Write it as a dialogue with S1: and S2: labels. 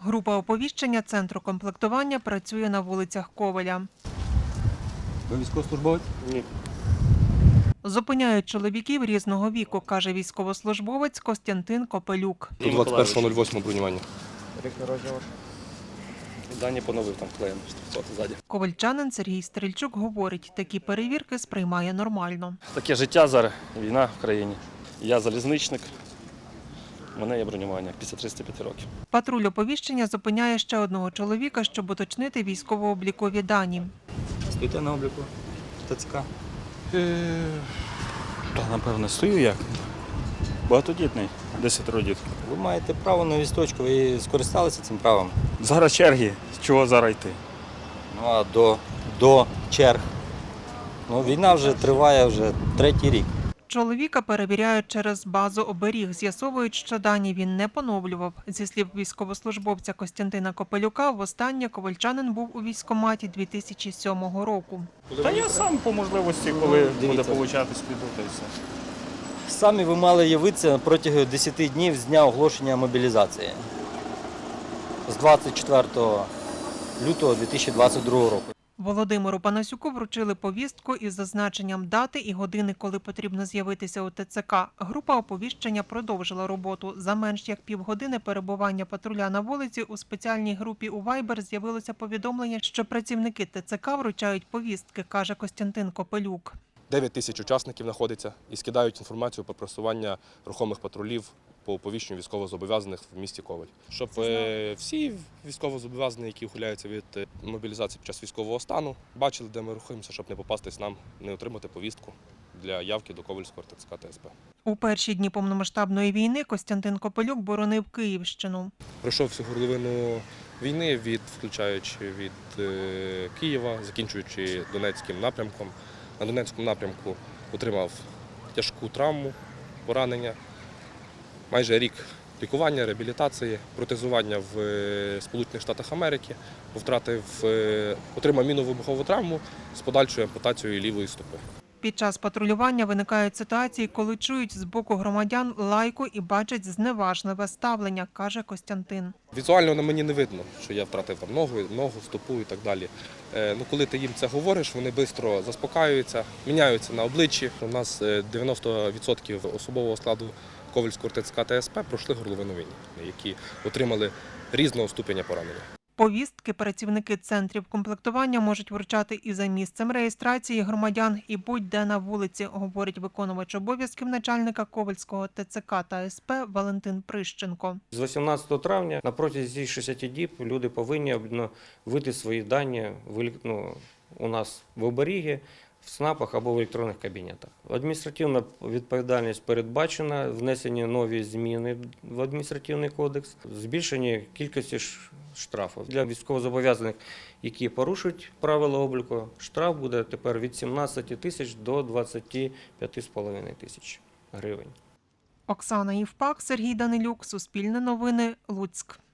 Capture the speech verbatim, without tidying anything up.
S1: Група оповіщення Центру комплектування працює на вулицях Ковеля.
S2: Ви військовослужбовець?
S3: Ні.
S1: Зупиняють чоловіків різного віку, каже військовослужбовець Костянтин Копелюк.
S3: двадцять першого нуль восьмого бронювання.
S4: Рік народження ваш?
S3: Дані поновив там клеєм стрільцоти ззаді.
S1: Ковельчанин Сергій Стрільчук говорить, такі перевірки сприймає нормально.
S3: Таке життя зараз, війна в країні. Я залізничник, у мене є бронювання після тридцяти п'яти років.
S1: Патруль оповіщення зупиняє ще одного чоловіка, щоб уточнити військово-облікові дані.
S2: Стоїте на обліку ТЦК?
S5: Та, напевно, стою як. Багатодітний, десятеро діток.
S2: Ви маєте право на вісточку, ви скористалися цим правом?
S5: Зараз черги, з чого зараз йти?
S2: Ну а до, до черг. Ну, війна вже триває вже третій рік.
S1: Чоловіка перевіряють через базу оберіг. З'ясовують, що дані він не поновлював. Зі слів військовослужбовця Костянтина Копелюка, востаннє ковельчанин був у військкоматі дві тисячі сьомого року.
S5: Та я сам по можливості, коли буде
S2: дивіться.
S5: получатись, піду, та й все.
S2: Самі ви мали явитися протягом десяти днів з дня оголошення мобілізації. З двадцять четвертого лютого дві тисячі двадцять другого року.
S1: Володимиру Панасюку вручили повістку із зазначенням дати і години, коли потрібно з'явитися у ТЦК. Група оповіщення продовжила роботу. За менш як півгодини перебування патруля на вулиці у спеціальній групі у Вайбер з'явилося повідомлення, що працівники ТЦК вручають повістки, каже Костянтин Копелюк.
S6: дев'ять тисяч учасників знаходиться і скидають інформацію про просування рухомих патрулів по оповіщенню військовозобов'язаних в місті Ковель. Щоб е, всі військовозобов'язані, які ухиляються від е, мобілізації під час військового стану, бачили, де ми рухаємося, щоб не попастись нам, не отримати повістку для явки до Ковельського ТЦК та ес пе.
S1: У перші дні повномасштабної війни Костянтин Копелюк боронив Київщину.
S6: Пройшов всю горловину війни, від, включаючи від е, Києва, закінчуючи Донецьким напрямком. На Донецькому напрямку отримав тяжку травму, поранення. Майже рік лікування, реабілітації, протезування в Сполучених Штатах Америки, втратив, отримав мінно-вибухову травму з подальшою ампутацією лівої стопи.
S1: Під час патрулювання виникають ситуації, коли чують з боку громадян лайку і бачать зневажливе ставлення, каже Костянтин.
S6: Візуально на мені не видно, що я втратив там ногу, ногу, стопу і так далі. Е, ну, коли ти їм це говориш, вони швидко заспокаюються, міняються на обличчі. У нас дев'яносто відсотків особового складу Ковельського ТЦК та ес пе пройшли горловину війни, які отримали різного ступеня поранення.
S1: Повістки працівники центрів комплектування можуть вручати і за місцем реєстрації громадян, і будь-де на вулиці, говорить виконувач обов'язків начальника Ковельського ТЦК та ес пе Валентин Прищенко.
S4: З вісімнадцятого травня на протязі шістдесят діб люди повинні ввести свої дані ну, у нас в оберігі, в СНАПах або в електронних кабінетах. Адміністративна відповідальність передбачена, внесені нові зміни в адміністративний кодекс, збільшення кількості штрафів. Для військовозобов'язаних, які порушують правила обліку, штраф буде тепер від сімнадцяти тисяч до двадцяти п'яти з половиною тисяч гривень.
S1: Оксана Євпак, Сергій Данилюк, Суспільне новини, Луцьк.